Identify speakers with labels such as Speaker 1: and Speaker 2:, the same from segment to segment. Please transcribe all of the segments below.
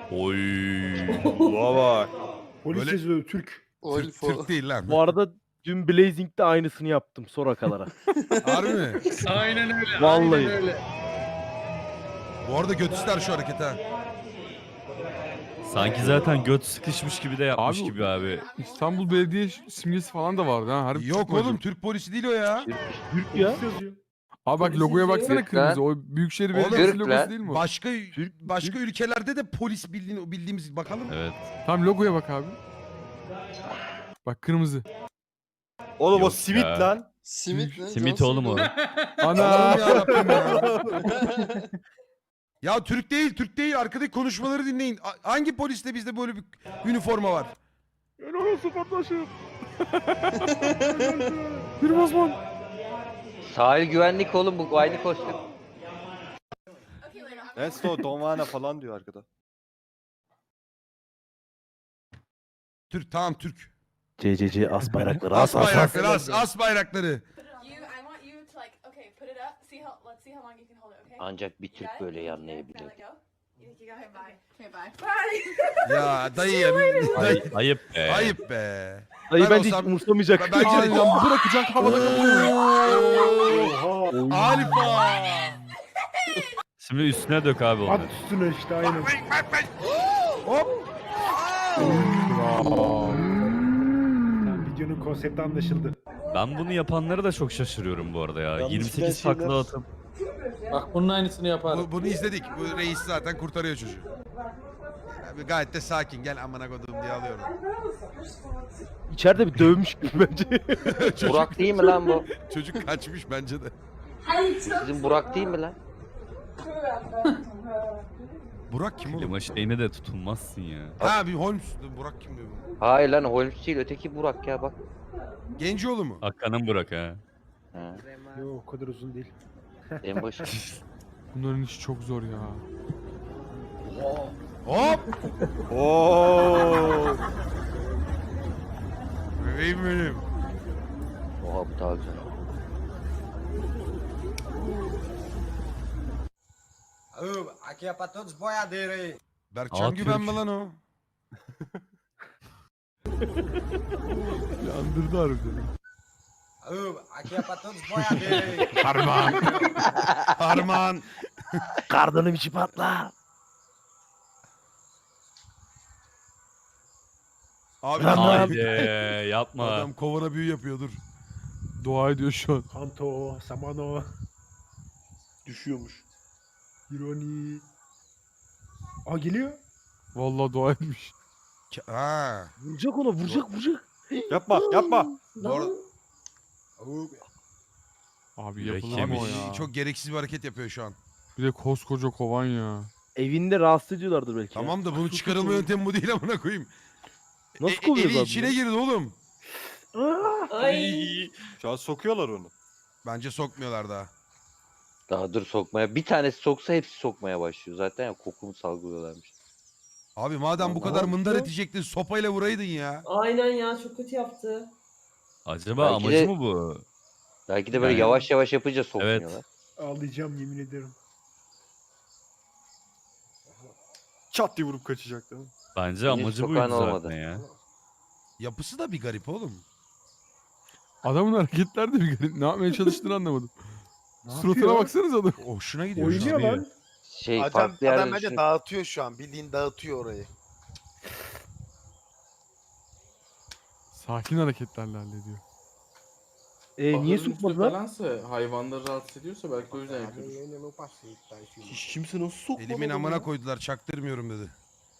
Speaker 1: Oy.
Speaker 2: Buna bak.
Speaker 3: Polis
Speaker 4: Böyle-
Speaker 3: yazıyor Türk.
Speaker 4: Türk değil lan.
Speaker 5: Bu arada dün Blazing'de aynısını yaptım Soraka'lara.
Speaker 4: Harbi mi?
Speaker 6: Aynen öyle.
Speaker 5: Vallahi.
Speaker 6: Aynen öyle.
Speaker 4: Bu arada götüster şu hareket ha.
Speaker 1: Sanki zaten göt sıkışmış gibi de yapmış
Speaker 7: Abi-
Speaker 1: gibi abi.
Speaker 7: İstanbul Belediye simgesi falan da vardı ha. Harbi
Speaker 4: Yok
Speaker 7: Türk mü
Speaker 4: oğlum
Speaker 7: acaba?
Speaker 4: Türk polisi değil o ya.
Speaker 5: Türk ya.
Speaker 3: Yazıyor.
Speaker 7: Abi bak logoya baksana
Speaker 8: Türk
Speaker 7: kırmızı. O Büyükşehir Belediyesi
Speaker 8: Türk
Speaker 7: logosu
Speaker 8: lan.
Speaker 7: değil mi o?
Speaker 4: Başka ülkelerde de polis bildiğimiz bakalım.
Speaker 1: Evet.
Speaker 7: Tamam logoya bak abi. Bak kırmızı.
Speaker 2: Oğlum o
Speaker 1: Yok
Speaker 2: simit
Speaker 1: ya.
Speaker 2: lan.
Speaker 8: Simit ne?
Speaker 1: Simit oğlum o.
Speaker 7: Ana.
Speaker 4: Allah'ım yarabbim ya. Ya Türk değil, Türk değil. Arkadaki konuşmaları dinleyin. Hangi poliste bizde böyle bir üniforma var?
Speaker 5: Helal olsun kardeşim.
Speaker 7: Bir Osman.
Speaker 8: Sahil güvenlik oğlum bu aynı kostüm.
Speaker 2: Neyse o Donvana falan diyor arkada.
Speaker 4: Türk, tamam Türk.
Speaker 5: CCC as bayrakları
Speaker 4: As bayrakları, as bayrakları.
Speaker 9: I want you to like, okay, put it up. Let's see how long you can hold it, okay?
Speaker 8: Ancak bir Türk böyle yanlayabilir.
Speaker 9: Let go. You think you got him? Bye. Okay, bye. Bye.
Speaker 4: Ya dayı ya.
Speaker 1: Ayıp be.
Speaker 4: Ayıp be.
Speaker 5: Dayı
Speaker 4: Ben
Speaker 5: bence hiç
Speaker 4: olsam-
Speaker 5: umursamayacak.
Speaker 4: Bence de-
Speaker 7: Aynen bırakacak havada kapıyor.
Speaker 4: Alfa.
Speaker 1: Şimdi üstüne dök abi onu.
Speaker 3: At üstüne işte aynen.
Speaker 4: Hop.
Speaker 3: Tamam, videonun konsepti anlaşıldı.
Speaker 1: Ben bunu yapanları da çok şaşırıyorum bu arada ya.
Speaker 2: Yalnız
Speaker 1: 28
Speaker 2: şeyler-
Speaker 1: takla atıp.
Speaker 6: Bak bunun aynısını yaparım.
Speaker 4: Bunu izledik. Bu reis zaten kurtarıyor çocuğu. Abi gayet de sakin. Gel amına kodum diye alıyorum.
Speaker 5: İçeride bir dövmüş gibi bence.
Speaker 8: Burak değil mi lan bu?
Speaker 4: Çocuk kaçmış bence de.
Speaker 8: Sizin Burak değil mi lan?
Speaker 4: Burak kim oğlum?
Speaker 1: Klima şeyine de tutunmazsın ya.
Speaker 4: Ha bir Holmes. Burak kim diyor?
Speaker 8: Hayır lan Holmes değil öteki Burak ya bak.
Speaker 4: Gencioğlu mu?
Speaker 1: Hakan'ın bırak ha.
Speaker 8: Ha,
Speaker 3: Yok o kadar uzun değil.
Speaker 8: en başı.
Speaker 7: Bunların işi çok zor ya.
Speaker 4: Hop.
Speaker 2: Oo.
Speaker 4: Bebeğim benim.
Speaker 8: Oha bu daha güzel.
Speaker 10: Aqui é pra todos os boiadeiros aí.
Speaker 4: Berkcan
Speaker 1: Aa,
Speaker 4: Güven mi
Speaker 1: Türk.
Speaker 4: lan o?
Speaker 7: Yandırdı harbiden.
Speaker 10: Aqui é pra todos os boiadeiros aí.
Speaker 4: Harman. Harman.
Speaker 5: Kardanım içi patla.
Speaker 4: Abi
Speaker 1: Haydi yapma.
Speaker 4: adam kovana büyü yapıyor dur.
Speaker 7: Dua ediyor şu an.
Speaker 3: Kanto, Samano.
Speaker 2: Düşüyormuş.
Speaker 3: Ironi. Aa geliyor.
Speaker 7: Vallahi dua etmiş.
Speaker 4: Ha.
Speaker 5: Vuracak ona vuracak.
Speaker 2: Yapma yapma.
Speaker 4: Bu arada
Speaker 7: Abi
Speaker 1: Yürek
Speaker 7: yapılır mı o
Speaker 1: yemiş.
Speaker 7: ya?
Speaker 4: çok gereksiz bir hareket yapıyor şu an.
Speaker 7: Bir de koskoca kovan ya.
Speaker 5: Evinde rahatsız ediyorlardır belki. ya.
Speaker 4: Tamam da bunun çıkarılma yöntemi bu değil amına koyayım.
Speaker 5: Nasıl kovuyoruz
Speaker 4: Eli
Speaker 5: abi
Speaker 4: içine
Speaker 5: bunu?
Speaker 4: girdi oğlum.
Speaker 2: Şu an sokuyorlar onu.
Speaker 4: Bence sokmuyorlar daha.
Speaker 8: Daha dur sokmaya. Bir tanesi soksa hepsi sokmaya başlıyor. Zaten ya kokunu salgılıyorlarmış.
Speaker 4: Abi madem bu
Speaker 5: Allah
Speaker 4: kadar mındar
Speaker 5: Allah.
Speaker 4: edecektin sopayla vuraydın ya.
Speaker 11: Aynen ya çok kötü yaptı.
Speaker 1: Acaba
Speaker 8: Belki
Speaker 1: amacı
Speaker 8: de-
Speaker 1: mı bu?
Speaker 8: Belki de böyle
Speaker 1: Yani-
Speaker 8: yavaş yavaş yapınca sokmuyorlar.
Speaker 3: Ağlayacağım yemin ederim.
Speaker 2: Çat diye vurup kaçacak değil mi?
Speaker 1: Bence
Speaker 8: Henüz
Speaker 1: amacı buydu
Speaker 8: sokağın
Speaker 1: zaten
Speaker 8: olmadı.
Speaker 1: ya.
Speaker 4: Yapısı da bir garip oğlum.
Speaker 7: Adamın hareketler de bir garip. Ne yapmaya çalıştığını anlamadım.
Speaker 3: Ne
Speaker 7: Suratına
Speaker 3: yapıyor?
Speaker 7: baksanız adam.
Speaker 4: Hoşuna gidiyor şu
Speaker 3: Oynuyor
Speaker 4: an.
Speaker 3: lan.
Speaker 8: Şey
Speaker 10: Adam,
Speaker 8: farklı
Speaker 10: adam
Speaker 8: yerden
Speaker 10: bence
Speaker 8: düşünüp-
Speaker 10: dağıtıyor şu an. Bildiğin dağıtıyor orayı.
Speaker 7: Sakin hareketlerle hallediyor.
Speaker 5: Niye sokmadılar?
Speaker 6: Falansa, hayvanları rahatsız ediyorsa belki o yüzden yapıyordur.
Speaker 2: Hiç kimse nasıl sokmadı?
Speaker 4: Elimin
Speaker 2: bunu
Speaker 4: amına
Speaker 2: ya?
Speaker 4: koydular çaktırmıyorum dedi.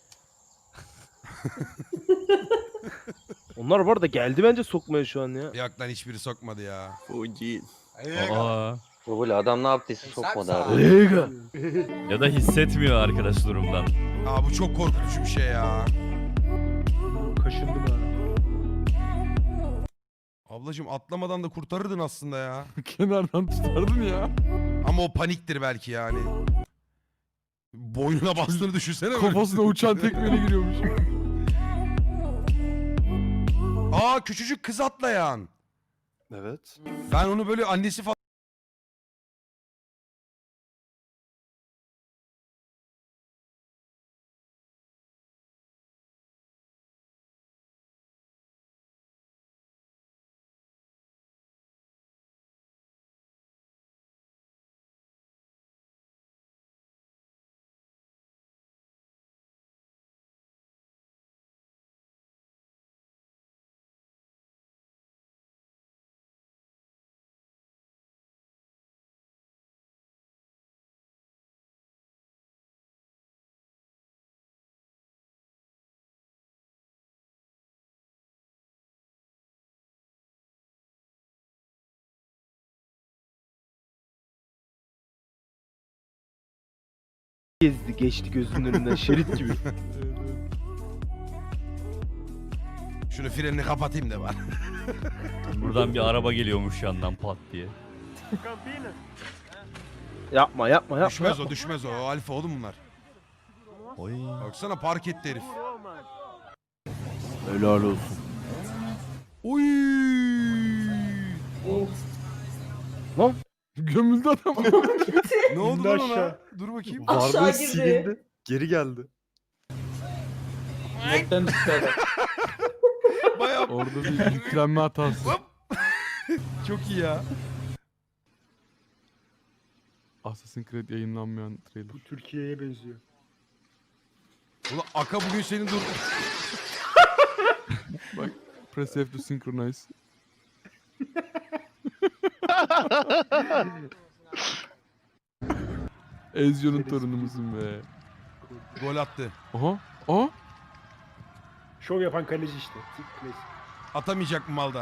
Speaker 5: Onlar bu arada geldi bence sokmaya şu an ya.
Speaker 4: Yok lan hiçbiri sokmadı ya.
Speaker 2: O değil.
Speaker 1: Aa.
Speaker 8: Bu böyle adam ne yaptıysa sokmadı abi.
Speaker 5: Lega.
Speaker 1: Ya da hissetmiyor arkadaş durumdan.
Speaker 4: Aa bu çok korkutucu bir şey ya.
Speaker 3: Kaşındım ha.
Speaker 4: Ablacım atlamadan da kurtarırdın aslında ya.
Speaker 7: Kenardan tutardın ya.
Speaker 4: Ama o paniktir belki yani. Boynuna bastığını düşünsene böyle.
Speaker 7: Kafasına uçan tekmeyle giriyormuş.
Speaker 4: Aa küçücük kız atlayan.
Speaker 2: Evet.
Speaker 4: Ben onu böyle annesi falan
Speaker 5: gezdi geçti gözünün önünden şerit gibi.
Speaker 4: Şunu frenini kapatayım da var.
Speaker 1: Buradan bir araba geliyormuş yandan pat diye.
Speaker 5: Yapma.
Speaker 4: Düşmez o düşmez o. O alfa oğlum bunlar.
Speaker 1: Oy.
Speaker 4: Baksana park etti herif.
Speaker 5: Helal olsun.
Speaker 4: Oy.
Speaker 7: Gömüldü adam.
Speaker 4: Ne oldu
Speaker 3: İndi
Speaker 4: lan ona?
Speaker 3: aşağı.
Speaker 4: Dur bakayım.
Speaker 11: Aşağı
Speaker 2: Varlığı
Speaker 11: girdi.
Speaker 2: silindi. Geri geldi.
Speaker 6: Netten düştü adam.
Speaker 4: Bayağı
Speaker 7: Orada bir yüklenme hatası.
Speaker 4: çok iyi ya.
Speaker 7: Assassin's Creed yayınlanmayan trailer.
Speaker 3: Bu Türkiye'ye benziyor.
Speaker 4: Ulan Aka bugün senin dur.
Speaker 7: Press F to synchronize. Ezio'nun torunumuzun be.
Speaker 4: Gol attı.
Speaker 7: Aha.
Speaker 3: Şov yapan kaleci işte. Klasik.
Speaker 4: Atamayacak mı malda?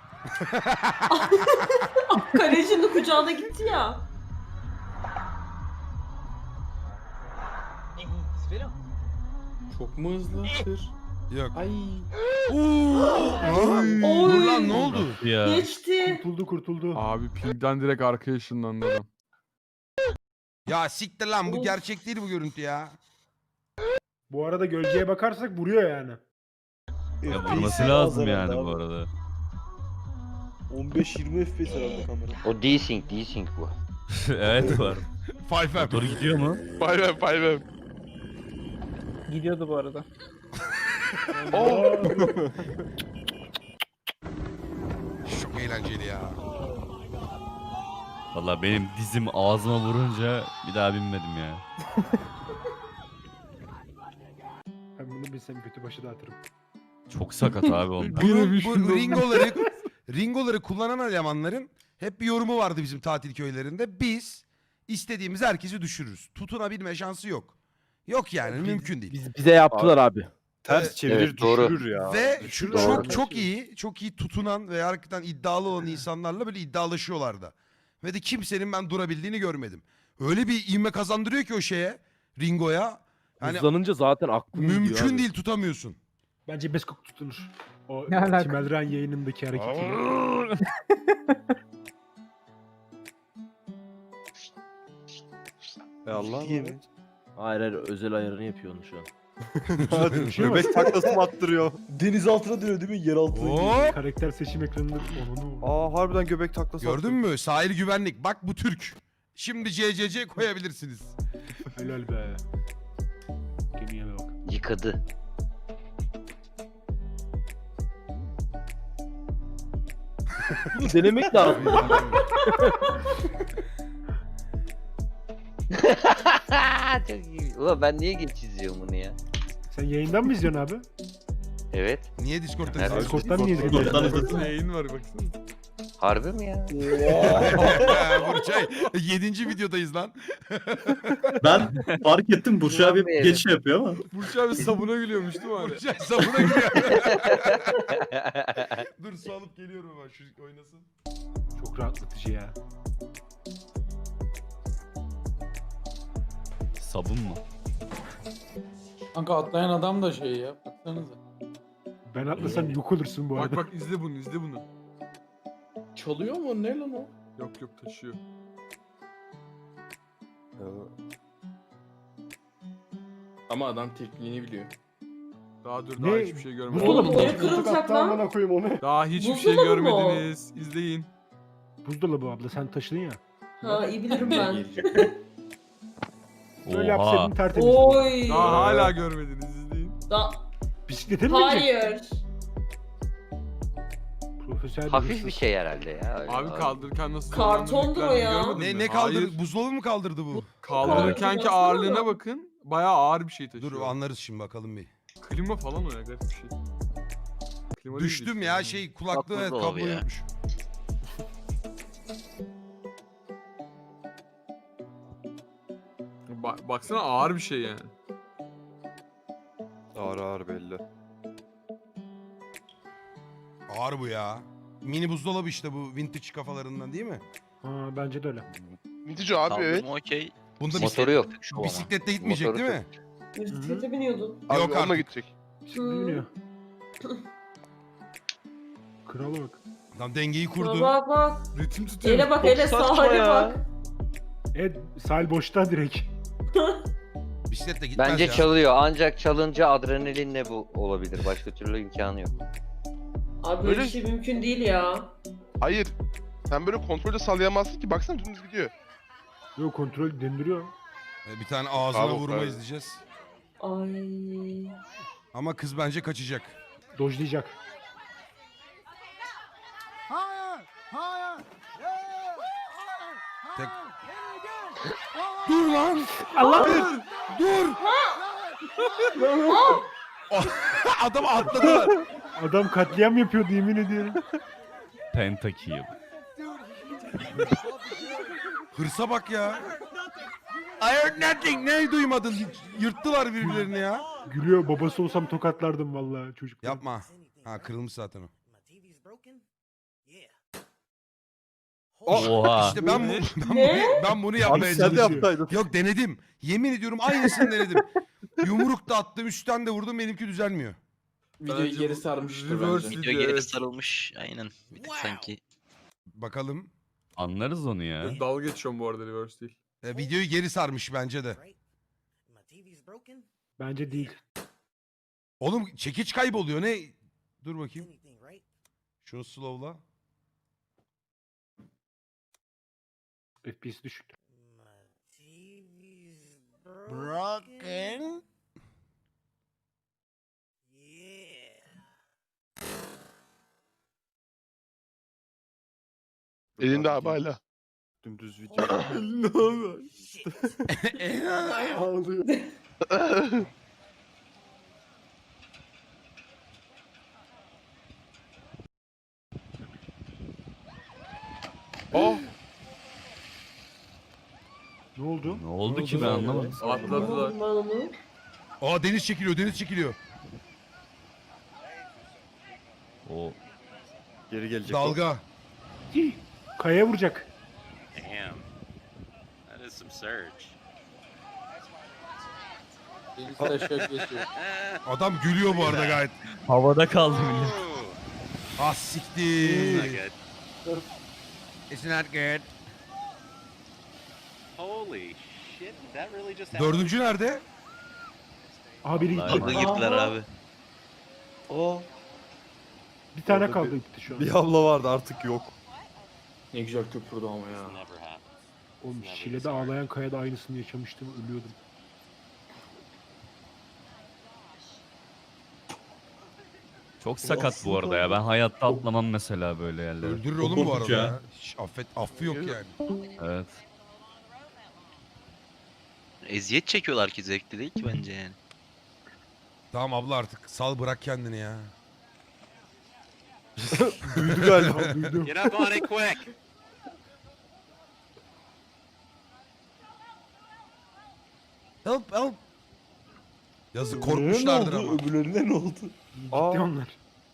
Speaker 11: Kalecinin kucağına gitti ya.
Speaker 6: Çok mu hızlı? Tır.
Speaker 4: Yok.
Speaker 6: Ay.
Speaker 4: Dur lan ne oldu?
Speaker 1: Ya.
Speaker 11: Geçti.
Speaker 3: Kurtuldu.
Speaker 7: Abi pingden direkt arkaya ışınlandı adam.
Speaker 4: Ya siktir lan bu
Speaker 11: Of.
Speaker 4: gerçek değil bu görüntü ya.
Speaker 3: Bu arada gölgeye bakarsak vuruyor yani.
Speaker 1: Ya vurması lazım yani bu arada.
Speaker 2: 15-20 FPS herhalde kamera.
Speaker 8: O desync bu.
Speaker 1: Evet var.
Speaker 4: Five
Speaker 1: Motor gidiyor mu?
Speaker 6: Gidiyordu bu arada.
Speaker 4: Çok eğlenceli ya.
Speaker 1: Valla benim dizim ağzıma vurunca bir daha binmedim ya.
Speaker 3: Ben bunu bilsem kötü başı dağıtırım.
Speaker 1: Çok sakat abi onlar.
Speaker 4: Bu ringoları kullanan elemanların hep bir yorumu vardı bizim tatil köylerinde. Biz istediğimiz herkesi düşürürüz. Tutunabilme şansı yok. Yok yani mümkün değil.
Speaker 5: Bize yaptılar abi.
Speaker 2: Ters çevirir
Speaker 8: Evet, doğru.
Speaker 2: düşürür ya.
Speaker 4: Ve
Speaker 2: Düşürür
Speaker 4: çok
Speaker 2: abi.
Speaker 4: çok iyi tutunan ve hakikaten iddialı olan insanlarla böyle iddialaşıyorlardı. Ve de kimsenin ben durabildiğini görmedim. Öyle bir ivme kazandırıyor ki o şeye, ringoya. Yani
Speaker 5: Hızlanınca zaten aklım gidiyor
Speaker 4: mümkün
Speaker 5: abi.
Speaker 4: değil tutamıyorsun.
Speaker 3: Bence Beskok tutunur. O
Speaker 6: Ne alaka?
Speaker 3: Tim Elren yayınındaki hareketiyle.
Speaker 2: Allah Allah.
Speaker 5: Hayır özel ayarını yapıyor onu şu an.
Speaker 2: Göbek taklası mı attırıyor? Deniz altına diyor değil mi? Yer altına.
Speaker 4: Hop!
Speaker 3: Karakter seçim ekranında onu.
Speaker 2: Aa harbiden göbek taklası
Speaker 4: Gördün mü? Sahil güvenlik. Bak bu Türk. Şimdi CCC koyabilirsiniz.
Speaker 3: Helal be. Gemiye bak.
Speaker 8: Yıkadı.
Speaker 5: Denemek lazım.
Speaker 8: Çok iyi. Ulan ben niye geç izliyorum bunu ya?
Speaker 3: Sen yayından mı izliyorsun abi?
Speaker 8: Evet.
Speaker 4: Niye Discord'da
Speaker 8: Nerede?
Speaker 4: izliyorsun?
Speaker 3: Discord'dan niye izliyorsun?
Speaker 7: Discord'un yayın var baksana.
Speaker 8: Harbi mi ya?
Speaker 4: Burçay 7. videodayız lan.
Speaker 12: Ben fark ettim Burcu abi
Speaker 8: Evet.
Speaker 12: geçiş yapıyor ama.
Speaker 7: Burç abi sabuna gülüyormuş değil mi abi?
Speaker 4: Burçay sabuna giriyor. Dur su alıp geliyorum ben şu oynasın.
Speaker 3: Çok rahatlatıcı ya.
Speaker 1: Sabun mu?
Speaker 6: Kanka atlayan adam da şey ya. Baksanıza.
Speaker 3: Ben atlasam yok olursun bu arada.
Speaker 7: Bak izle bunu.
Speaker 6: Çalıyor mu? Ne lan o?
Speaker 7: Yok taşıyor.
Speaker 6: Ama adam tekniğini biliyor.
Speaker 7: Daha dur
Speaker 3: Ne?
Speaker 7: daha hiçbir şey görmedim.
Speaker 3: Buzdolabı
Speaker 11: Oğlum,
Speaker 3: mı?
Speaker 11: niye kırılacak lan?
Speaker 3: Amına koyayım onu.
Speaker 7: Daha hiçbir şey
Speaker 11: Buzdolabı mı o?
Speaker 7: görmediniz. İzleyin.
Speaker 3: Buzdolabı abla sen taşıdın ya.
Speaker 11: Ha iyi bilirim ben.
Speaker 3: Böyle
Speaker 1: Oha.
Speaker 3: yapsaydın tertemiz.
Speaker 11: Oy.
Speaker 7: Daha hala görmediniz izleyin.
Speaker 3: Bisiklete mi binecek?
Speaker 11: Hayır.
Speaker 3: Profesyonel
Speaker 8: Hafif
Speaker 3: hırsız.
Speaker 8: bir şey herhalde ya. öyle
Speaker 7: Abi kaldırırken nasıl
Speaker 11: Kartondu
Speaker 7: zorlandığını
Speaker 11: o ya.
Speaker 7: görmedin mi?
Speaker 4: Ne kaldırdı?
Speaker 7: Hayır.
Speaker 4: Buzdolabı mı kaldırdı bu?
Speaker 7: Kaldırırken ki
Speaker 11: Karton
Speaker 7: ağırlığına
Speaker 11: baksana.
Speaker 7: bakın. Bayağı ağır bir şey taşıyor.
Speaker 4: Dur anlarız şimdi bakalım bir.
Speaker 7: Klima falan o ya garip bir şey. Klima değil
Speaker 4: Düştüm
Speaker 7: işte.
Speaker 4: ya şey kulaklığı evet,
Speaker 8: buzdolabı
Speaker 4: kablo
Speaker 8: ya.
Speaker 4: yokmuş.
Speaker 7: Baksana ağır bir şey yani.
Speaker 2: Ağır ağır belli.
Speaker 4: Ağır bu ya. Mini buzdolabı işte bu vintage kafalarından değil mi?
Speaker 3: Ha bence de öyle.
Speaker 12: Vintage abi evet.
Speaker 4: Bunda
Speaker 8: Motoru yok.
Speaker 4: Bisikletle gitmeyecek
Speaker 8: Motoru
Speaker 4: değil mi?
Speaker 11: Bisiklete biniyordun.
Speaker 4: Yok artık.
Speaker 2: gidecek.
Speaker 3: Bisiklet biniyor. Krala bak.
Speaker 4: Tam dengeyi
Speaker 11: Bak
Speaker 4: kurdu.
Speaker 11: bak bak.
Speaker 5: Ritim tutuyor.
Speaker 11: Ele bak
Speaker 5: Çok
Speaker 11: ele
Speaker 5: saçma
Speaker 11: sahile
Speaker 5: ya.
Speaker 11: bak.
Speaker 3: Evet sahil boşta direkt.
Speaker 4: Bisikletle gitmez
Speaker 8: Bence
Speaker 4: ya.
Speaker 8: çalıyor. Ancak çalınca adrenalinle bu olabilir. Başka türlü imkanı yok.
Speaker 11: Abi böyle bir şey mümkün değil ya.
Speaker 2: Hayır. Sen böyle kontrolde sallayamazsın ki. Baksana dümdüz gidiyor.
Speaker 3: Yok kontrol döndürüyor.
Speaker 4: Bir tane ağzına
Speaker 2: Bravo,
Speaker 4: vurma
Speaker 2: bravo.
Speaker 4: izleyeceğiz.
Speaker 11: Ay.
Speaker 4: Ama kız bence kaçacak.
Speaker 3: Dojlayacak.
Speaker 4: Tek... Dur lan!
Speaker 3: Allah!
Speaker 4: Dur! Adam atladılar.
Speaker 3: Adam katliam yapıyordu yemin ediyorum.
Speaker 1: Pentakill.
Speaker 4: Hırsa bak ya. I heard nothing. Ne duymadın? Yırttılar birbirlerini ya.
Speaker 3: Gülüyor babası olsam tokatlardım vallahi çocuk.
Speaker 4: Yapma. Ha kırılmış zaten o.
Speaker 1: Oha.
Speaker 4: İşte ben
Speaker 11: Ne?
Speaker 4: ben bunu yapmaya
Speaker 2: Abi sen de
Speaker 4: çalışıyorum.
Speaker 2: yapsaydın.
Speaker 4: Yok denedim. Yemin ediyorum aynısını denedim. Yumruk da attım, üstten de vurdum, benimki düzelmiyor.
Speaker 6: Videoyu geri sarmıştır
Speaker 5: Reverse
Speaker 6: bence.
Speaker 5: video, evet.
Speaker 10: sarılmış. Aynen. Bir tık sanki.
Speaker 4: Bakalım.
Speaker 1: Anlarız onu ya.
Speaker 5: Dalga geçiyorum bu arada reverse değil.
Speaker 4: Videoyu geri sarmış bence de.
Speaker 3: Bence değil.
Speaker 4: Oğlum çekiç kayboluyor ne? Dur bakayım. Şunu slowla.
Speaker 3: FPS düşük.
Speaker 4: Broken.
Speaker 2: Elinde abi hala.
Speaker 5: Dümdüz video. Ne oluyor?
Speaker 3: Ağlıyor.
Speaker 2: Oh.
Speaker 3: Ne oldu?
Speaker 1: Ne oldu ki ben anlamadım.
Speaker 5: Atladılar.
Speaker 11: Ben onu.
Speaker 4: Aa deniz çekiliyor, deniz çekiliyor.
Speaker 1: O
Speaker 2: Geri gelecek.
Speaker 4: Dalga.
Speaker 3: Kayaya vuracak.
Speaker 6: Deniz taşak geçiyor.
Speaker 4: Adam gülüyor bu arada gayet.
Speaker 1: havada kaldı millet.
Speaker 4: Ah siktir. It's not good. Dördüncü nerede?
Speaker 3: Aha biri gitti.
Speaker 1: Vallahi
Speaker 10: Gittiler
Speaker 11: Aha.
Speaker 10: abi.
Speaker 3: Bir tane
Speaker 2: Orada
Speaker 3: kaldı gitti şu an.
Speaker 2: Bir abla vardı artık yok.
Speaker 6: Ne güzel köpürdü ama ya.
Speaker 3: Oğlum Şile'de ağlayan kayada aynısını yaşamıştım ölüyordum.
Speaker 1: Çok sakat bu arada ya. Ben hayatta atlamam mesela böyle yerlere.
Speaker 4: Öldürür
Speaker 12: Çok
Speaker 4: oğlum bu
Speaker 12: korkunç
Speaker 4: arada
Speaker 12: ya.
Speaker 4: ya. Hiç affı yok yani.
Speaker 1: Evet.
Speaker 10: Eziyet çekiyorlar ki zevkli değil ki bence yani.
Speaker 4: Tamam abla artık sal bırak kendini ya.
Speaker 2: Duydu galiba.
Speaker 3: Duydum.
Speaker 4: Help help. Yazık
Speaker 2: Öbürlerine
Speaker 4: korkmuşlardır
Speaker 2: ne oldu?
Speaker 4: ama.
Speaker 2: Öbürlerine ne oldu?
Speaker 3: Gitti onlar.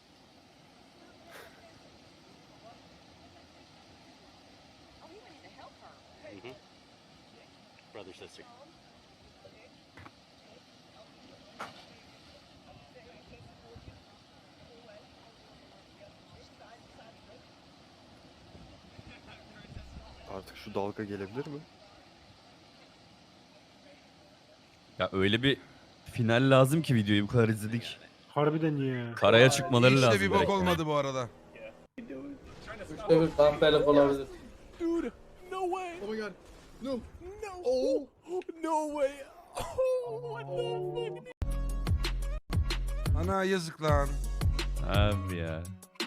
Speaker 2: Artık şu dalga gelebilir mi?
Speaker 1: Ya öyle bir final lazım ki videoyu bu kadar izledik.
Speaker 3: Harbiden ya.
Speaker 1: Karaya çıkmaları
Speaker 4: Hiç de
Speaker 1: lazım.
Speaker 4: bir bok
Speaker 1: direkt.
Speaker 4: olmadı bu arada.
Speaker 6: Üçte bir dampelik olabilir.
Speaker 4: Ana yazık lan.
Speaker 1: Abi ya.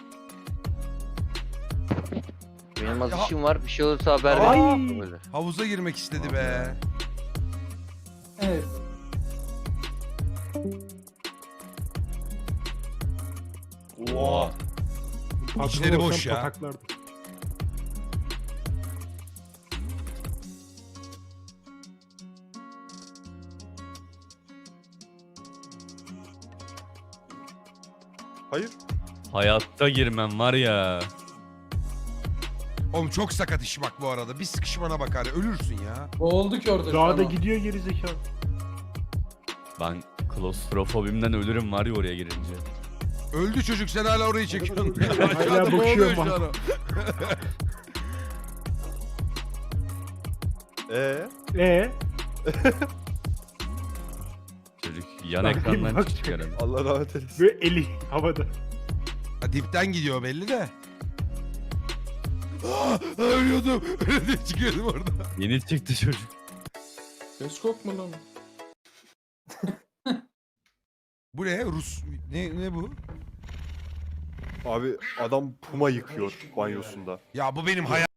Speaker 8: Benim az
Speaker 4: Ya-
Speaker 8: işim var. Bir şey olursa haber
Speaker 3: Ay.
Speaker 8: ver. Böyle.
Speaker 4: Havuza girmek istedi be.
Speaker 6: Evet.
Speaker 3: Patron
Speaker 4: İçleri boş
Speaker 3: olsam
Speaker 4: ya.
Speaker 3: pataklardım.
Speaker 2: Hayır.
Speaker 1: Hayatta girmem var ya.
Speaker 4: Oğlum çok sakat iş bak bu arada. Bir sıkışmana bakar ölürsün ya.
Speaker 6: Boğuldu ki orada şu
Speaker 3: Dağda
Speaker 6: an o.
Speaker 3: gidiyor geri zekalı.
Speaker 1: Ben klostrofobimden ölürüm var ya oraya girince.
Speaker 4: Öldü çocuk sen hala orayı çekiyorsun.
Speaker 3: Hala
Speaker 4: Aşağıda
Speaker 3: bakıyor
Speaker 4: boğuluyor şu
Speaker 3: bak.
Speaker 4: an o.
Speaker 1: Çocuk yan
Speaker 3: Bakayım,
Speaker 1: ekrandan
Speaker 3: bak.
Speaker 1: çıkıyor herhalde.
Speaker 2: Allah rahmet eylesin.
Speaker 3: Böyle eli havada.
Speaker 4: Ha, dipten gidiyor belli de. Ölüyordum. Öyle diye çıkıyordum orada.
Speaker 1: Yeni çıktı çocuk.
Speaker 6: Beskok mu lan?
Speaker 4: Bu ne? Rus. Ne bu?
Speaker 2: Abi adam puma yıkıyor banyosunda.
Speaker 4: Ya bu benim hayal.